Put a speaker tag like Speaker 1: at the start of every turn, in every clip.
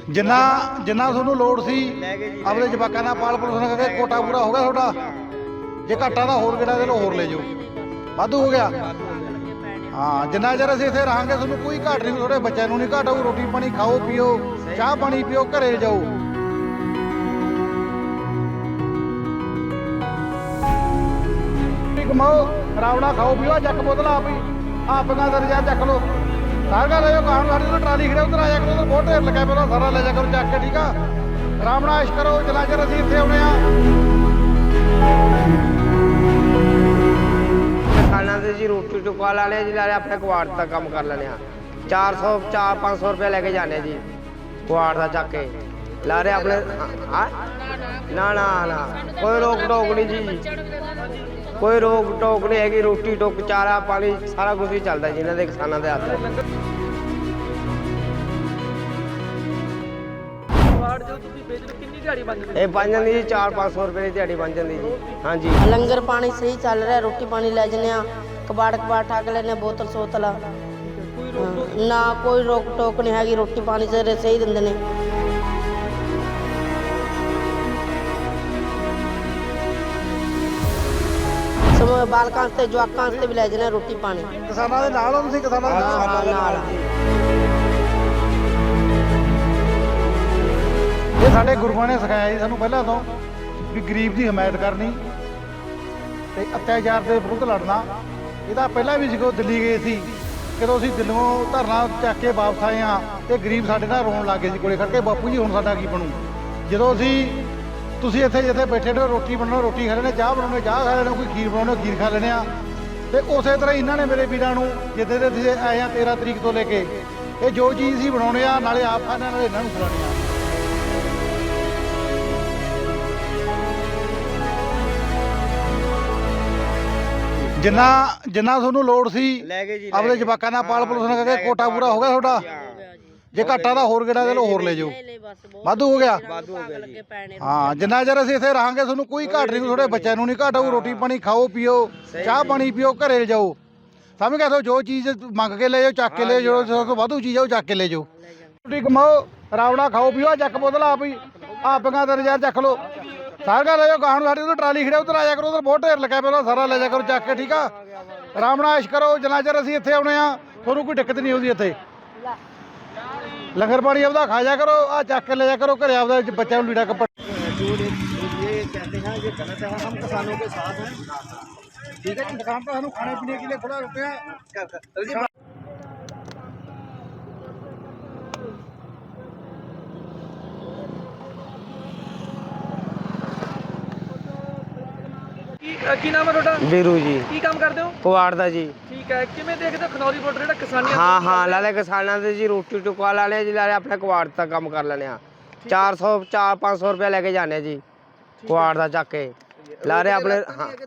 Speaker 1: ਜਿੰਨਾ ਜਿੰਨਾ ਤੁਹਾਨੂੰ ਲੋੜ ਸੀ ਆਪਣੇ ਜਵਾਕਾਂ ਨਾਲ ਪਾਲ ਪੋਸ਼ਣ ਕਰਕੇ ਕੋਟਾ ਪੂਰਾ ਹੋ ਗਿਆ ਤੁਹਾਡਾ। ਜੇ ਘਾਟਾ ਦਾ ਹੋਰ ਕਿਹੜਾ ਦੇ ਲੋ ਹੋਰ ਲੈ ਜਾਓ, ਵਾਧੂ ਹੋ ਗਿਆ। ਹਾਂ ਜਿੰਨਾ ਚਿਰ ਅਸੀਂ ਇੱਥੇ ਰਹਾਂਗੇ ਤੁਹਾਨੂੰ ਕੋਈ ਘਾਟ ਨਹੀਂ, ਤੁਹਾਡੇ ਬੱਚਿਆਂ ਨੂੰ ਨਹੀਂ ਘਾਟ ਆਊ। ਰੋਟੀ ਪਾਣੀ ਖਾਓ ਪੀਓ, ਚਾਹ ਪਾਣੀ ਪੀਓ, ਘਰੇ ਜਾਓ। ਕਮਾਓ ਰਾਵੜਾ ਖਾਓ ਪੀਓ, ਚੱਕ ਬੋਤਲ ਆਪ ਹੀ ਆਪਗਾ ਦਰਜਾ ਚੱਕ ਲੋ ਸਾਰਾ ਲੈ ਜਾਓ। ਕਾਹਨ ਸਾਡੀ ਤੋਂ ਟਰਾਲੀ ਖੜੇ ਉਧਰ ਆ ਜਾ ਕਰੋ, ਉਧਰ ਬਹੁਤ ਢੇਰ ਲੱਗਾ ਪਿਆ, ਸਾਰਾ ਲੈ ਜਾ ਕਰੋ ਚੱਕ ਕੇ। ਠੀਕ ਆ, ਰਾਵੜਾ ਇਸ਼ ਕਰੋ ਜਿੰਨਾ ਚਿਰ ਅਸੀਂ ਇੱਥੇ ਆਉਣੇ ਆ।
Speaker 2: किसानों से जी रोटी टुका ला लिया जी, ला लिया अपने कुआड़ तक काम कर लेने। 400-500 रुपये लेके जाने जी कुआड़ था चक के ला रहे अपने। ना ना ना कोई रोक टोक नहीं जी, कोई रोक टोक नहीं हैगी। रोटी टुक चारा पानी सारा कुछ ही चलता जी इन्होंने किसानों के हाथ। ਇਹ ਬਣ ਜਾਂਦੀ ਜੀ 400-500 ਰੁਪਏ ਦੀ ਦਿਹਾੜੀ ਬਣ ਜਾਂਦੀ ਜੀ। ਹਾਂਜੀ
Speaker 3: ਲੰਗਰ ਪਾਣੀ ਸਹੀ ਚੱਲ ਰਿਹਾ, ਰੋਟੀ ਪਾਣੀ ਲੈ ਜਨੇ ਆ, ਕਬਾੜ ਠਾਕ ਲੈਨੇ, ਬੋਤਲ ਸੋਤਲ ਨਾ ਕੋਈ ਰੋਕ ਟੋਕ ਨਹੀਂ ਹੈਗੀ। ਰੋਟੀ ਪਾਣੀ ਸਹੀ ਦਿੰਦੇ ਨੇ। ਸਮੋ ਬਾਲਕਾਂ ਤੇ ਜਵਾਕਾਂ ਤੇ ਵੀ ਲੈ ਜਨੇ ਰੋਟੀ ਪਾਣੀ।
Speaker 1: ਕਿਸਾਨਾਂ ਦੇ ਨਾਲ ਹੋ ਤੁਸੀਂ? ਕਿਸਾਨਾਂ ਦੇ ਨਾਲ ਇਹ ਸਾਡੇ ਗੁਰੂਆਂ ਨੇ ਸਿਖਾਇਆ ਜੀ ਸਾਨੂੰ ਪਹਿਲਾਂ ਤੋਂ ਵੀ ਗਰੀਬ ਦੀ ਹਮਾਇਤ ਕਰਨੀ ਤੇ ਅਤਿਆਚਾਰ ਦੇ ਵਿਰੁੱਧ ਲੜਨਾ। ਇਹਦਾ ਪਹਿਲਾਂ ਵੀ ਜਦੋਂ ਦਿੱਲੀ ਗਏ ਸੀ, ਜਦੋਂ ਅਸੀਂ ਦਿੱਲੀੋਂ ਧਰਨਾ ਚੱਕ ਕੇ ਵਾਪਸ ਆਏ ਹਾਂ ਤੇ ਗਰੀਬ ਸਾਡੇ ਨਾਲ ਰੋਣ ਲੱਗ ਗਏ ਸੀ ਕੋਲੇ ਖੜ ਕੇ, ਬਾਪੂ ਜੀ ਹੁਣ ਸਾਡਾ ਕੀ ਬਣੂ। ਜਦੋਂ ਤੁਸੀਂ ਇੱਥੇ ਜਿੱਥੇ ਬੈਠੇ ਨੇ ਰੋਟੀ ਬਣਾਉਣਾ ਰੋਟੀ ਖਾ ਲੈਣੇ, ਚਾਹ ਬਣਾਉਣੇ ਚਾਹ ਖਾ ਲੈਣੇ, ਕੋਈ ਖੀਰ ਬਣਾਉਣੇ ਖੀਰ ਖਾ ਲੈਣੇ ਆ। ਤੇ ਉਸੇ ਤਰ੍ਹਾਂ ਇਹਨਾਂ ਨੇ ਮੇਰੇ ਵੀਰਾਂ ਨੂੰ ਜਿੱਦੇ ਦੇ ਤੁਸੀਂ ਆਏ ਆ 13 ਤਰੀਕ ਤੋਂ ਲੈ ਕੇ ਇਹ ਜੋ ਚੀਜ਼ ਸੀ ਬਣਾਉਣੇ ਆ, ਨਾਲੇ ਆਪ ਖਾਣੇ ਨਾਲੇ ਇਹਨਾਂ ਨੂੰ ਖਿਲਾਉਣੇ ਆ। ਜਿੰਨਾ ਤੁਹਾਨੂੰ ਲੋੜ ਸੀ ਆਪਣੇ ਜਵਾਕਾਂ ਨਾਲ ਪਾਲ ਪੋਸ਼ਣ ਕਰਕੇ ਕੋਟਾ ਪੂਰਾ ਹੋ ਗਿਆ ਤੁਹਾਡਾ। ਜੇ ਘਾਟਾ ਦਾ ਹੋਰ ਕਿਹੜਾ ਦੇ ਲੋ ਹੋਰ ਲੈ ਜਾਓ, ਵਾਧੂ ਹੋ ਗਿਆ। ਹਾਂ ਜਿੰਨਾ ਚਿਰ ਅਸੀਂ ਇੱਥੇ ਰਹਾਂਗੇ ਤੁਹਾਨੂੰ ਕੋਈ ਘਾਟ ਨਹੀਂ, ਤੁਹਾਡੇ ਬੱਚਿਆਂ ਨੂੰ ਨਹੀਂ ਘਾਟ ਆਊ। ਰੋਟੀ ਪਾਣੀ ਖਾਓ ਪੀਓ, ਚਾਹ ਪਾਣੀ ਪੀਓ, ਘਰੇ ਜਾਓ। ਸਮਝ ਗਏ? ਜੋ ਚੀਜ਼ ਮੰਗ ਕੇ ਲੈ ਜਾਓ ਚੱਕ ਕੇ ਲੈ ਜਾਓ, ਜੋ ਵਾਧੂ ਚੀਜ਼ ਆ ਉਹ ਚੱਕ ਕੇ ਲੈ ਜਾਓ। ਰੋਟੀ ਕਮਾਓ ਰਾਵੜਾ ਖਾਓ ਪੀਓ, ਚੱਕ ਬੋਤਲ ਆਪ ਹੀ ਆਪਗਾ ਦਰਜਾ ਚੱਕ ਲੋ ਸਾਰਾ ਲੈ ਜਾਓ। ਕਾਹਨ ਸਾਡੀ ਤੋਂ ਟਰਾਲੀ ਖੜੇ ਉਧਰ ਆ ਜਾ ਕਰੋ, ਉਧਰ ਬਹੁਤ ਢੇਰ ਲੱਗਾ ਪਿਆ, ਸਾਰਾ ਲੈ ਜਾ ਕਰੋ ਚੱਕ ਕੇ। ਠੀਕ ਆ, ਰਾਵੜਾ ਇਸ਼ ਕਰੋ ਜਿੰਨਾ ਚਿਰ ਅਸੀਂ ਇੱਥੇ ਆਉਣੇ ਆ ਤੁਹਾਨੂੰ ਕੋਈ ਦਿੱਕਤ ਨਹੀਂ ਆਉਂਦੀ। ਇੱਥੇ ਲੰਗਰ ਪਾਣੀ ਆਪਦਾ ਖਾ ਜਾ ਕਰੋ, ਆ ਚੱਕ ਕੇ ਲੈ ਜਾ ਕਰੋ ਘਰੇ ਆਪਦਾ ਬੱਚਿਆਂ ਨੂੰ ਲੀੜਾ ਕੱਪੜਾ। ठीक है जी, दुकान पर हम खाने पीने के लिए थोड़ा रुपया
Speaker 4: ਕੀ ਨਾਮ ਹੈ ਤੁਹਾਡਾ?
Speaker 2: ਵੀਰੂ ਜੀ।
Speaker 4: ਕੀ ਕੰਮ ਕਰਦੇ ਹੋ?
Speaker 2: ਕੁਆੜ ਦਾ ਜੀ।
Speaker 4: ਠੀਕ ਹੈ, ਕਿਵੇਂ ਦੇਖਦੇ ਹੋ ਖਨੌਰੀ ਬਾਰਡਰ ਜਿਹੜਾ ਕਿਸਾਨੀ?
Speaker 2: ਹਾਂ ਲਾ ਲਿਆ ਕਿਸਾਨਾਂ ਦੇ ਜੀ रोटी टुका ला लिया जी, ला लिया अपने कुआड़ तक काम कर लेने। 400-500 रुपये लेके जाने जी कुआड़ का चक के ला रहे अपने।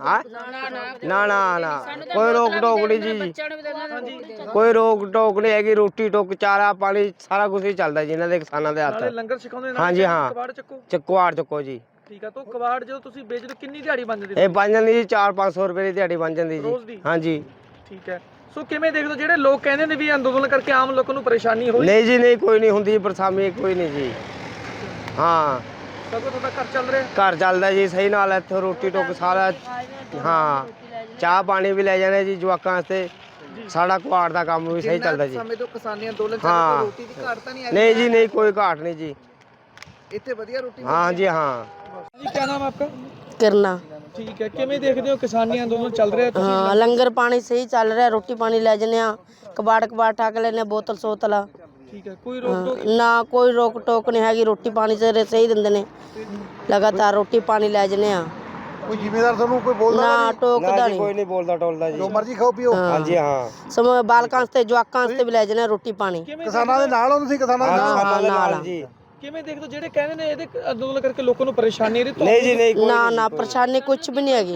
Speaker 2: ना ना ना कोई रोक टोक नहीं जी, कोई रोक टोक नहीं हैगी। रोटी टुक चारा पानी सारा कुछ ही चलता जी इन्होंने किसानों के हाथ।
Speaker 4: ਲੰਗਰ ਸਿਖਾਉਂਦੇ
Speaker 2: हाँ जी हाँ
Speaker 4: ਕਬਾੜ ਚੱਕੋ।
Speaker 2: कुआड़ चुको जी।
Speaker 4: ਠੀਕ ਹੈ, ਤਾਂ ਕਬਾੜ ਜਦੋਂ ਤੁਸੀਂ ਵੇਚਦੇ ਕਿੰਨੀ ਦਿਹਾੜੀ ਬਣ ਜਾਂਦੀ?
Speaker 2: ये बन जाती जी 400-500 रुपये की दिहाड़ी बन जाती
Speaker 4: ਰੋਜ਼
Speaker 2: जी।
Speaker 4: ਦੀ?
Speaker 2: हाँ जी।
Speaker 4: ਠੀਕ ਹੈ, ਸੋ ਕਿਵੇਂ ਦੇਖਦੇ ਹੋ ਜਿਹੜੇ ਲੋਕ ਕਹਿੰਦੇ ਨੇ ਵੀ ਅੰਦੋਲਨ ਕਰਕੇ ਆਮ ਲੋਕਾਂ ਨੂੰ ਪਰੇਸ਼ਾਨੀ ਹੋਈ?
Speaker 2: नहीं जी नहीं, कोई नहीं होंगी परेशानी, कोई नहीं जी। हाँ
Speaker 4: ਸਭ ਤੋਂ ਤੁਹਾਡਾ ਘਰ ਚੱਲ ਰਿਹਾ?
Speaker 2: घर चलता जी सही नाल, इत्थों रोटी टुक सारा। हाँ चाह पानी भी ले जाने जी जवाकां वास्ते, साड़ा कुआड़ का काम भी सही चलता जी।
Speaker 4: ਸਮੇਂ ਤੋਂ ਕਿਸਾਨੀ ਅੰਦੋਲਨ ਚੱਲ
Speaker 2: हाँ
Speaker 4: ਰਿਹਾ, ਰੋਟੀ ਦੀ ਘਾਟ ਤਾਂ ਨਹੀਂ
Speaker 2: नहीं जी नहीं, कोई घाट नहीं जी।
Speaker 4: ਇੱਥੇ ਵਧੀਆ ਰੋਟੀ?
Speaker 2: हाँ जी हाँ।
Speaker 4: ਜੀ ਕੀ ਨਾਮ ਹੈ ਆਪਕਾ?
Speaker 3: ਕਿਰਨਾ।
Speaker 4: ਠੀਕ ਹੈ, ਕਿਵੇਂ ਦੇਖਦੇ ਹੋ ਕਿਸਾਨੀ ਅੰਦੋਲਨ ਚੱਲ ਰਿਹਾ?
Speaker 3: ਹਾਂ ਲੰਗਰ ਪਾਣੀ ਸਹੀ ਚੱਲ ਰਿਹਾ, ਰੋਟੀ ਪਾਣੀ ਲੈ ਜਨੇ ਆ, ਕਬਾੜ ਠਾਕ ਲੈਨੇ, ਬੋਤਲ ਸੋਤਲ
Speaker 4: ਠੀਕ ਹੈ, ਕੋਈ ਰੋਕ ਟੋਕ?
Speaker 3: ਨਾ ਕੋਈ ਰੋਕ ਟੋਕ ਨਹੀਂ ਹੈਗੀ। ਰੋਟੀ ਪਾਣੀ ਸਹੀ ਦਿੰਦੇ ਨੇ, ਲਗਾਤਾਰ ਰੋਟੀ ਪਾਣੀ ਲੈ ਜਨੇ ਆ।
Speaker 1: ਕੋਈ ਜ਼ਿੰਮੇਦਾਰ ਤੁਹਾਨੂੰ ਕੋਈ ਬੋਲਦਾ
Speaker 3: ਨਾ ਟੋਕਦਾ
Speaker 2: कोई
Speaker 3: ਨਹੀਂ।
Speaker 2: नहीं बोलता टोलता जी।
Speaker 1: ਜੋ ਮਰਜ਼ੀ ਖਾਓ ਪੀਓ।
Speaker 2: हाँ जी हाँ।
Speaker 3: ਸਮੋ ਬਾਲਕਾਂ ਤੇ ਜਵਾਕਾਂ ਤੇ ਵੀ ਲੈ ਜਨੇ ਰੋਟੀ ਪਾਣੀ।
Speaker 1: ਕਿਸਾਨਾਂ ਦੇ ਨਾਲ ਹੋ ਤੁਸੀਂ? ਕਿਸਾਨਾਂ ਦੇ ਨਾਲ
Speaker 2: किसानों के
Speaker 3: नाल
Speaker 2: नाल जी।
Speaker 4: ਕਿਵੇਂ ਦੇਖਦੇ ਹੋ ਜਿਹੜੇ ਕਹਿੰਦੇ ਨੇ ਇਹਦੇ ਅੰਦੋਲਨ ਕਰਕੇ ਲੋਕਾਂ ਨੂੰ ਪਰੇਸ਼ਾਨੀ ਇਹਦੀ?
Speaker 2: नहीं जी नहीं, कोई
Speaker 3: ਨਾ
Speaker 2: नहीं।
Speaker 3: ਨਾ ਪਰੇਸ਼ਾਨੀ ਕੁਛ ਵੀ ਨਹੀਂ ਹੈਗੀ।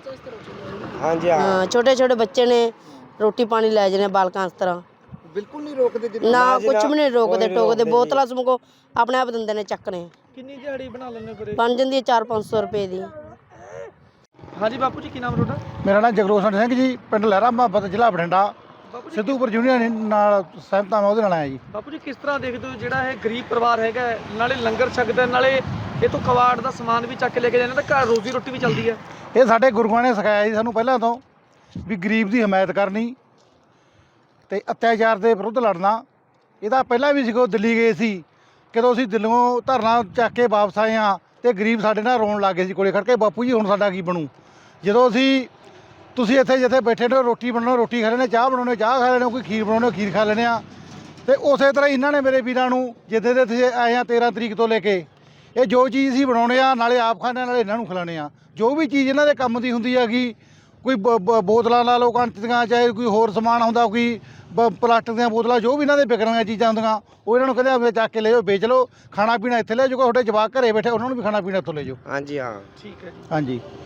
Speaker 2: हाँ जी हाँ।
Speaker 3: ਹਾਂ ਛੋਟੇ ਛੋਟੇ ਬੱਚੇ ਨੇ, ਰੋਟੀ ਪਾਣੀ ਲੈ ਜਨੇ ਬਾਲਕਾਂ ਇਸ ਤਰ੍ਹਾਂ।
Speaker 4: ਬਿਲਕੁਲ ਨਹੀਂ ਰੋਕਦੇ?
Speaker 3: ਨਾ ਕੁਛ ਵੀ ਨਹੀਂ ਰੋਕਦੇ ਟੋਕਦੇ, ਬੋਤਲਾਂ ਸਮਕੋ ਆਪਣੇ ਆਪ ਦਿੰਦੇ ਨੇ ਚੱਕਣੇ।
Speaker 4: ਕਿੰਨੀ ਦਿਹਾੜੀ ਬਣਾ ਲੈਂਦੇ ਫਿਰ?
Speaker 3: ਬਣ ਜਾਂਦੀ ਹੈ 400-500 ਰੁਪਏ ਦੀ।
Speaker 4: ਹਾਂਜੀ ਬਾਪੂ ਜੀ, ਕੀ ਨਾਮ ਤੁਹਾਡਾ?
Speaker 1: ਮੇਰਾ ਨਾਮ ਜਗਰੋਸ਼ਨ ਸਿੰਘ ਜੀ, ਪਿੰਡ ਲਹਿਰਾ ਮੁਹੱਬਤ, ਜ਼ਿਲ੍ਹਾ ਬਠਿੰਡਾ।
Speaker 4: ਬਾਪੂ ਜੀ
Speaker 1: ਸਿੱਧੂਪੁਰ ਯੂਨੀਅਨ ਨਾਲ ਸਹਿਮਤ ਹਾਂ ਮੈਂ ਉਹਦੇ ਨਾਲ ਆਇਆ ਜੀ।
Speaker 4: ਬਾਪੂ ਜੀ ਕਿਸ ਤਰ੍ਹਾਂ ਦੇਖਦੇ ਹੋ ਜਿਹੜਾ ਇਹ ਗਰੀਬ ਪਰਿਵਾਰ ਹੈਗਾ ਹੈ, ਨਾਲੇ ਲੰਗਰ ਛਕਦਾ ਨਾਲੇ ਇਹ ਤੋਂ ਕਬਾੜ ਦਾ ਸਮਾਨ ਵੀ ਚੱਕ ਕੇ ਲੈ ਕੇ ਜਾਂਦੇ ਤਾਂ ਘਰ ਰੋਜ਼ੀ ਰੋਟੀ ਵੀ ਚੱਲਦੀ ਹੈ।
Speaker 1: ਇਹ ਸਾਡੇ ਗੁਰੂਆਂ ਨੇ ਸਿਖਾਇਆ ਜੀ ਸਾਨੂੰ ਪਹਿਲਾਂ ਤੋਂ ਵੀ ਗਰੀਬ ਦੀ ਹਮਾਇਤ ਕਰਨੀ ਤੇ ਅਤਿਆਚਾਰ ਦੇ ਵਿਰੁੱਧ ਲੜਨਾ। ਇਹਦਾ ਪਹਿਲਾਂ ਵੀ ਸਿੱਖੋ ਦਿੱਲੀ ਗਏ ਸੀ, ਕਦੋਂ ਅਸੀਂ ਦਿੱਲੀੋਂ ਧਰਨਾ ਚੱਕ ਕੇ ਵਾਪਸ ਆਏ ਹਾਂ ਤੇ ਗਰੀਬ ਸਾਡੇ ਨਾਲ ਰੋਣ ਲੱਗ ਗਏ ਸੀ ਕੋਲੇ ਖੜ ਕੇ, ਬਾਪੂ ਜੀ ਹੁਣ ਸਾਡਾ ਕੀ ਬਣੂ। ਜਦੋਂ ਤੁਸੀਂ ਇੱਥੇ ਜਿੱਥੇ ਬੈਠੇ ਨੇ ਰੋਟੀ ਬਣਾਉਣਾ ਰੋਟੀ ਖਾ ਲੈਣੇ, ਚਾਹ ਬਣਾਉਣੇ ਚਾਹ ਖਾ ਲੈਣੇ, ਕੋਈ ਖੀਰ ਬਣਾਉਣੇ ਖੀਰ ਖਾ ਲੈਣੇ ਆ। ਤੇ ਉਸੇ ਤਰ੍ਹਾਂ ਇਹਨਾਂ ਨੇ ਮੇਰੇ ਵੀਰਾਂ ਨੂੰ ਜਿੱਦੇ ਦੇ ਤੁਸੀਂ ਆਏ ਆ 13 ਤਰੀਕ ਤੋਂ ਲੈ ਕੇ ਇਹ ਜੋ ਚੀਜ਼ ਅਸੀਂ ਬਣਾਉਣੇ ਆ ਨਾਲੇ ਆਪ ਖਾਣੇ ਨਾਲੇ ਇਹਨਾਂ ਨੂੰ ਖਿਲਾਉਣੇ ਆ। ਜੋ ਵੀ ਚੀਜ਼ ਇਹਨਾਂ ਦੇ ਕੰਮ ਦੀ ਹੁੰਦੀ ਹੈਗੀ, ਕੋਈ ਬੋਤਲਾਂ ਲਾ ਲਓ ਕੰਚ ਦੀਆਂ, ਚਾਹੇ ਕੋਈ ਹੋਰ ਸਮਾਨ ਹੁੰਦਾ, ਕੋਈ ਪਲਾਸਟਿਕ ਦੀਆਂ ਬੋਤਲਾਂ, ਜੋ ਵੀ ਇਹਨਾਂ ਦੇ ਵਿਕਣ ਵਾਲੀਆਂ ਚੀਜ਼ਾਂ ਹੁੰਦੀਆਂ ਉਹ ਇਹਨਾਂ ਨੂੰ ਕਹਿੰਦੇ ਆ ਚੱਕ ਕੇ ਲੈ ਜਾਓ, ਵੇਚ ਲਓ, ਖਾਣਾ ਪੀਣਾ ਇੱਥੇ ਲੈ ਜਾਓ, ਤੁਹਾਡੇ ਜਵਾਕ ਘਰੇ ਬੈਠੇ ਉਹਨਾਂ ਨੂੰ ਵੀ ਖਾਣਾ ਪੀਣਾ ਇੱਥੋਂ ਲੈ ਜਾਓ।
Speaker 2: ਹਾਂਜੀ ਹਾਂ
Speaker 4: ਠੀਕ ਹੈ ਜੀ।
Speaker 1: ਹਾਂਜੀ।